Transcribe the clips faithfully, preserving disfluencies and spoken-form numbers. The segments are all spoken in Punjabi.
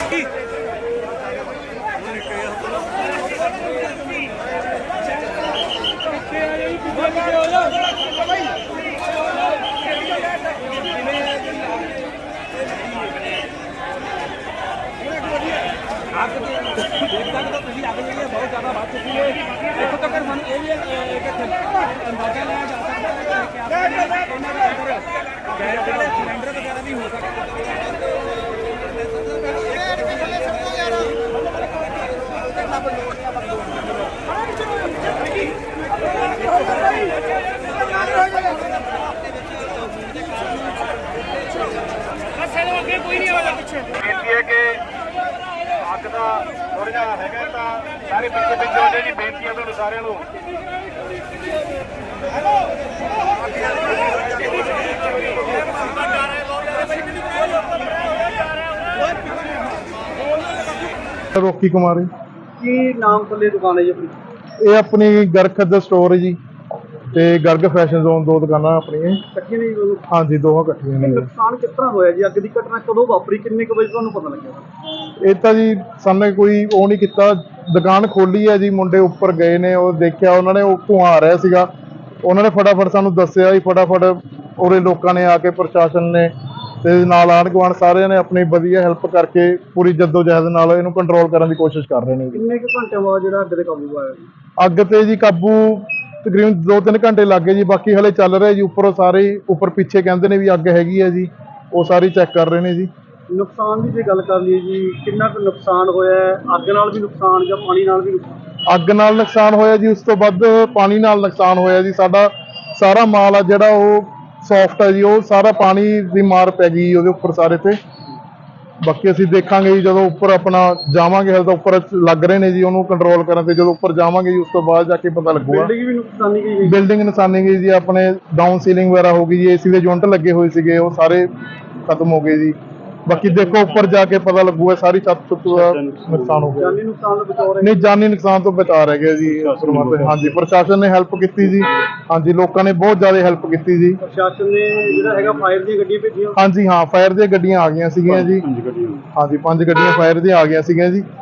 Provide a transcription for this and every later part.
ਅੱਗ ਦੇਖ ਸਕਦੇ ਹੋ ਤੁਸੀਂ, ਅੱਗ ਜਿਹੜੀ ਬਹੁਤ ਜ਼ਿਆਦਾ ਵੱਧ ਚੁੱਕੀ ਹੈ। ਇੱਥੋਂ ਤੱਕ ਸਾਨੂੰ ਇਹ ਵੀ ਇੱਕ ਅੰਦਾਜ਼ਾ ਲਾਇਆ ਜਾ ਸਕਦਾ ਹੈ ਕਿ ਉਹਨਾਂ ਦੇ ਅੰਦਰ ਗੈਸ ਵਾਲੇ ਸਿਲੰਡਰ ਵਗੈਰਾ ਵੀ ਹੋ ਸਕਦੇ ਕੋਈ नहीं आएगा पीछे कि अग का थोड़ा जहा है सारे पिछले पिछले हो जी बेनती है तो सारे रोकी कुमार की नाम थले दुकान है जी अपनी? ये अपनी गर्ग दा स्टोर है जी ਤੇ ਗਰਗ ਫੈਸ਼ਨ ਜ਼ੋਨ ਦੋ ਦੁਕਾਨਾਂ ਆਪਣੀਆਂ ਇਕੱਠੀਆਂ ਨੇ? ਹਾਂਜੀ ਦੋਹਾਂ ਇਕੱਠੀਆਂ ਨੇ। ਨੁਕਸਾਨ ਕਿਸ ਤਰ੍ਹਾਂ ਹੋਇਆ ਜੀ? ਅੱਗ ਦੀ ਘਟਨਾ ਕਦੋਂ ਵਾਪਰੀ, ਕਿੰਨੇ ਕੁ ਵਜੇ ਤੁਹਾਨੂੰ ਪਤਾ ਲੱਗਿਆ? ਇਹ ਤਾਂ ਜੀ ਸਾਹਮਣੇ ਕੋਈ ਉਹ ਨਹੀਂ ਕੀਤਾ, ਦੁਕਾਨ ਖੋਲੀ ਹੈ ਜੀ, ਮੁੰਡੇ ਉੱਪਰ ਗਏ ਨੇ, ਉਹ ਦੇਖਿਆ ਉਹਨਾਂ ਨੇ, ਉਹ ਧੂੰਆਂ ਆ ਰਿਹਾ ਸੀਗਾ, ਉਹਨਾਂ ਨੇ ਫਟਾਫਟ ਸਾਨੂੰ ਦੱਸਿਆ ਜੀ, ਫਟਾਫਟ ਉਰੇ ਲੋਕਾਂ ਨੇ ਆ ਕੇ, ਪ੍ਰਸ਼ਾਸਨ ਨੇ ਤੇ ਨਾਲ ਆਂਢ ਗੁਆਂਢ ਸਾਰਿਆਂ ਨੇ ਆਪਣੀ ਵਧੀਆ ਹੈਲਪ ਕਰਕੇ ਪੂਰੀ ਜੱਦੋ-ਜਹਿਦ ਨਾਲ ਇਹਨੂੰ ਕੰਟਰੋਲ ਕਰਨ ਦੀ ਕੋਸ਼ਿਸ਼ ਕਰ ਰਹੇ ਨੇ। ਕਿੰਨੇ ਕੁ ਘੰਟਿਆਂ ਬਾਅਦ ਜਿਹੜਾ ਅੱਗ ਤੇ ਕਾਬੂ ਆਇਆ? ਅੱਗ ਤੇ ਜੀ ਕਾਬੂ ਤਕਰੀਬਨ ਦੋ ਤਿੰਨ ਘੰਟੇ ਲੱਗ ਗਏ ਜੀ, ਬਾਕੀ ਹਲੇ ਚੱਲ ਰਿਹਾ ਜੀ। ਉੱਪਰੋਂ ਸਾਰੇ ਉੱਪਰ ਪਿੱਛੇ ਕਹਿੰਦੇ ਨੇ ਵੀ ਅੱਗ ਹੈਗੀ ਹੈ ਜੀ, ਉਹ ਸਾਰੀ ਚੈੱਕ ਕਰ ਰਹੇ ਨੇ ਜੀ। ਨੁਕਸਾਨ ਦੀ ਜੇ ਗੱਲ ਕਰ ਲਈਏ ਜੀ, ਕਿੰਨਾ ਕੁ ਨੁਕਸਾਨ ਹੋਇਆ ਹੈ? ਅੱਗ ਨਾਲ ਵੀ ਨੁਕਸਾਨ ਜਾਂ ਪਾਣੀ ਨਾਲ ਵੀ ਨੁਕਸਾਨ? ਅੱਗ ਨਾਲ ਨੁਕਸਾਨ ਹੋਇਆ ਜੀ, ਉਸ ਤੋਂ ਵੱਧ ਪਾਣੀ ਨਾਲ ਨੁਕਸਾਨ ਹੋਇਆ ਜੀ। ਸਾਡਾ ਸਾਰਾ ਮਾਲ ਆ ਜਿਹੜਾ ਉਹ ਸੌਫਟ ਹੈ ਜੀ, ਉਹ ਸਾਰਾ ਪਾਣੀ ਦੀ ਮਾਰ ਪੈ ਗਈ ਉਹਦੇ ਉੱਪਰ ਸਾਰੇ ਤੇ। ਬਾਕੀ ਅਸੀਂ ਦੇਖਾਂਗੇ ਜੀ ਜਦੋਂ ਉੱਪਰ ਆਪਣਾ ਜਾਵਾਂਗੇ, ਹਲ ਤਾਂ ਉੱਪਰ ਲੱਗ ਰਹੇ ਨੇ ਜੀ ਉਹਨੂੰ ਕੰਟਰੋਲ ਕਰਨ ਤੇ, ਜਦੋਂ ਉੱਪਰ ਜਾਵਾਂਗੇ ਜੀ ਉਸ ਤੋਂ ਬਾਅਦ ਜਾ ਕੇ ਪਤਾ ਲੱਗੂਗਾ। ਬਿਲਡਿੰਗ ਵੀ ਨੁਕਸਾਨੀ ਗਈ? ਬਿਲਡਿੰਗ ਨੁਕਸਾਨੀ ਗਈ ਜੀ, ਆਪਣੇ ਡਾਊਨ ਸੀਲਿੰਗ ਵਗੈਰਾ ਹੋ ਗਈ ਜੀ, ਏਸੀ ਦੇ ਯੂਨਿਟ ਲੱਗੇ ਹੋਏ ਸੀਗੇ ਉਹ ਸਾਰੇ ਖਤਮ ਹੋ ਗਏ ਜੀ। ਬਾਕੀ ਦੇਖੋ ਉੱਪਰ ਜਾ ਕੇ ਪਤਾ ਲੱਗੂਗਾ, ਸਾਰੀ ਛੱਤ ਛੁੱਤ ਦਾ ਨੁਕਸਾਨ ਹੋ ਗਿਆ। ਜਾਨੀ ਨੁਕਸਾਨ ਤੋਂ ਬਚਾ ਰਹੇ? ਨਹੀਂ, ਜਾਨੀ ਨੁਕਸਾਨ ਤੋਂ ਬਚਾ ਰਹਿ ਗਿਆ ਜੀ। ਹਾਂਜੀ, ਪ੍ਰਸ਼ਾਸਨ ਨੇ ਹੈਲਪ ਕੀਤੀ ਜੀ। ਹਾਂਜੀ, ਲੋਕਾਂ ਨੇ ਬਹੁਤ ਜ਼ਿਆਦਾ ਹੈਲਪ ਕੀਤੀ ਜੀ। ਪ੍ਰਸ਼ਾਸਨ ਨੇ ਜਿਹੜਾ ਹੈਗਾ ਫਾਇਰ ਦੀਆਂ ਗੱਡੀਆਂ ਭੇਜੀਆਂ? ਹਾਂਜੀ ਹਾਂ, ਫਾਇਰ ਦੀਆਂ ਗੱਡੀਆਂ ਆ ਗਈਆਂ ਸੀਗੀਆਂ ਜੀ। ਹਾਂਜੀ, ਪੰਜ ਗੱਡੀਆਂ ਫਾਇਰ ਦੀਆਂ ਆ ਗਈਆਂ ਸੀਗੀਆਂ ਜੀ।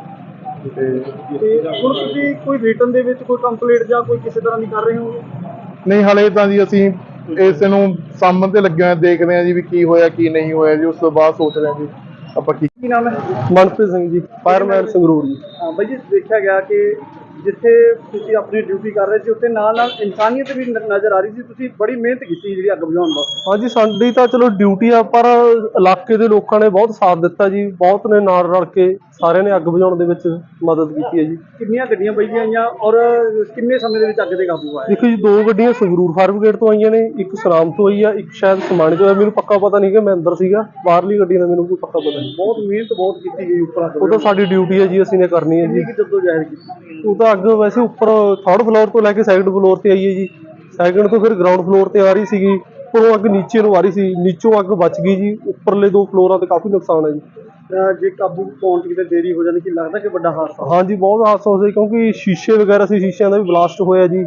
ਤੇ ਹੁਣ ਤੁਸੀਂ ਕੋਈ ਰਿਟਨ ਦੇ ਵਿੱਚ ਕੋਈ ਕੰਪਲੇਂਟ ਜਾਂ ਕੋਈ ਕਿਸੇ ਤਰ੍ਹਾਂ ਦੀ ਕਰ ਰਹੇ ਹੋ? ਨਹੀਂ, ਹਲੇ ਤਾਂ ਜੀ ਅਸੀਂ ਇਸ ਨੂੰ ਸਾਹਮਣੇ ਤੇ ਲੱਗੇ ਹੋਏ ਦੇਖਦੇ ਹਾਂ ਜੀ ਵੀ ਕੀ ਹੋਇਆ ਕੀ ਨਹੀਂ ਹੋਇਆ ਜੀ, ਉਸ ਤੋਂ ਬਾਅਦ ਸੋਚਦੇ ਹਾਂ ਜੀ ਆਪਾਂ ਕੀ। ਕੀ ਨਾਮ ਹੈ? ਮਨਪ੍ਰੀਤ ਸਿੰਘ ਜੀ, ਫਾਇਰਮੈਨ ਸੰਗਰੂਰ ਜੀ। ਹਾਂ ਬਾਈ ਜੀ, ਦੇਖਿਆ ਗਿਆ ਕਿ ਜਿੱਥੇ ਤੁਸੀਂ ਆਪਣੀ ਡਿਊਟੀ ਕਰ ਰਹੇ ਸੀ ਉੱਥੇ ਨਾਲ ਨਾਲ ਇਨਸਾਨੀਅਤ ਵੀ ਨਜ਼ਰ ਆ ਰਹੀ ਸੀ। ਤੁਸੀਂ ਬੜੀ ਮਿਹਨਤ ਕੀਤੀ ਜਿਹੜੀ ਅੱਗ ਬੁਝਾਉਣ ਵਾਸਤੇ। ਹਾਂਜੀ, ਸਾਡੀ ਤਾਂ ਚਲੋ ਡਿਊਟੀ ਆ, ਪਰ ਇਲਾਕੇ ਦੇ ਲੋਕਾਂ ਨੇ ਬਹੁਤ ਸਾਥ ਦਿੱਤਾ ਜੀ, ਬਹੁਤ ਨੇ ਨਾਲ ਰਲ ਕੇ ਸਾਰਿਆਂ ਨੇ ਅੱਗ ਬੁਝਾਉਣ ਦੇ ਵਿੱਚ ਮਦਦ ਕੀਤੀ ਹੈ ਜੀ। ਕਿੰਨੀਆਂ ਗੱਡੀਆਂ ਪਈਆਂ ਆਈਆਂ ਔਰ ਕਿੰਨੇ ਸਮੇਂ ਦੇ ਵਿੱਚ ਅੱਗ ਤੇ ਕਾਬੂ ਆਇਆ? ਦੇਖੋ ਜੀ, ਦੋ ਗੱਡੀਆਂ ਸੰਗਰੂਰ ਫਾਇਰ ਬ੍ਰਿਗੇਡ ਤੋਂ ਆਈਆਂ ਨੇ, ਇੱਕ ਸਨਾਮ ਤੋਂ ਆਈ ਆ, ਇੱਕ ਸ਼ਾਇਦ ਸਮਾਣੇ ਤੋਂ। ਮੈਨੂੰ ਪੱਕਾ ਪਤਾ ਨਹੀਂ ਕਿ ਮੈਂ ਅੰਦਰ ਸੀਗਾ, ਬਾਹਰਲੀ ਗੱਡੀ ਦਾ ਮੈਨੂੰ ਕੋਈ ਪੱਕਾ ਪਤਾ ਨਹੀਂ। ਬਹੁਤ ਮਿਹਨਤ ਬਹੁਤ ਕੀਤੀ ਗਈ ਉੱਪਰ। ਉਹ ਤਾਂ ਸਾਡੀ ਡਿਊਟੀ ਹੈ ਜੀ, ਅਸੀਂ ਨੇ ਕਰਨੀ ਹੈ ਜੀ। ਜਦੋਂ ਜ਼ਾਹਿਰ ਕੀਤੀ ਉਹ ਤਾਂ ਅੱਗ ਵੈਸੇ ਉੱਪਰ ਥਰਡ ਫਲੋਰ ਤੋਂ ਲੈ ਕੇ ਸੈਕਿੰਡ ਫਲੋਰ ਤੇ ਆਈ ਹੈ ਜੀ, ਸੈਕਿੰਡ ਤੋਂ ਫਿਰ ਗਰਾਊਂਡ ਫਲੋਰ ਤੇ ਆ ਰਹੀ ਸੀਗੀ, ਉੱਪਰੋਂ ਅੱਗ ਨੀਚੇ ਨੂੰ ਆ ਰਹੀ ਸੀ, ਨੀਚੋਂ ਅੱਗ ਬਚ ਗਈ ਜੀ। ਉੱਪਰਲੇ ਦੋ ਫਲੋਰਾਂ ਤੇ ਕਾਫੀ ਨੁਕਸਾਨ ਹੈ ਜੀ। ਜੇ ਕਾਬੂ ਪਾਉਣ 'ਚ ਕਿਤੇ ਦੇਰੀ ਹੋ ਜਾਂਦੀ, ਕੀ ਲੱਗਦਾ ਕਿ ਵੱਡਾ ਹਾਦਸਾ? ਹਾਂਜੀ, ਬਹੁਤ ਹਾਦਸਾ ਹੋ ਸੀ, ਕਿਉਂਕਿ ਸ਼ੀਸ਼ੇ ਵਗੈਰਾ ਸੀ, ਸ਼ੀਸ਼ਿਆਂ ਦਾ ਵੀ ਬਲਾਸਟ ਹੋਇਆ ਜੀ।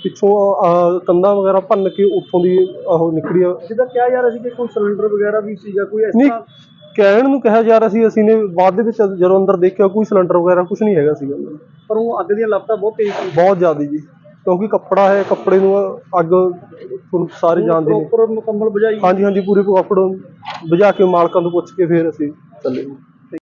ਪਿੱਛੋਂ ਕੰਧਾਂ ਵਗੈਰਾ ਭੰਨ ਕੇ ਉੱਥੋਂ ਦੀ ਉਹ ਨਿਕਲੀ ਆ। ਜਿੱਦਾਂ ਕਿਹਾ ਜਾ ਰਿਹਾ ਸੀ ਕਿ ਕੋਈ ਸਿਲੰਡਰ ਵਗੈਰਾ ਵੀ ਸੀ ਜਾਂ ਕੋਈ ਇਸ ਨਹੀਂ, ਤਰ੍ਹਾਂ ਕਹਿਣ ਨੂੰ ਕਿਹਾ ਜਾ ਰਿਹਾ ਸੀ, ਅਸੀਂ ਨੇ ਬਾਅਦ ਦੇ ਵਿੱਚ ਜਦੋਂ ਅੰਦਰ ਦੇਖਿਆ ਕੋਈ ਸਿਲੰਡਰ ਵਗੈਰਾ ਕੁਝ ਨਹੀਂ ਹੈਗਾ ਸੀਗਾ। ਪਰ ਉਹ ਅੱਗ ਦੀਆਂ ਲਪਟਾਂ ਬਹੁਤ ਤੇਜ਼ ਸੀ? ਬਹੁਤ ਜ਼ਿਆਦਾ ਜੀ, ਕਿਉਂਕਿ ਕੱਪੜਾ ਹੈ, ਕੱਪੜੇ ਨੂੰ ਅੱਗ ਤੁਹਾਨੂੰ ਸਾਰੇ ਜਾਣਦੇ ਨੇ। ਪ੍ਰੋਪਰ ਮੁਕੰਮਲ ਬੁਝਾਈ? ਹਾਂਜੀ ਹਾਂਜੀ, ਪੂਰੇ ਕੱਪੜੇ ਬੁਝਾ ਕੇ ਮਾਲਕਾਂ ਤੋਂ ਪੁੱਛ ਕੇ ਫਿਰ ਅਸੀਂ ਚੱਲੇ।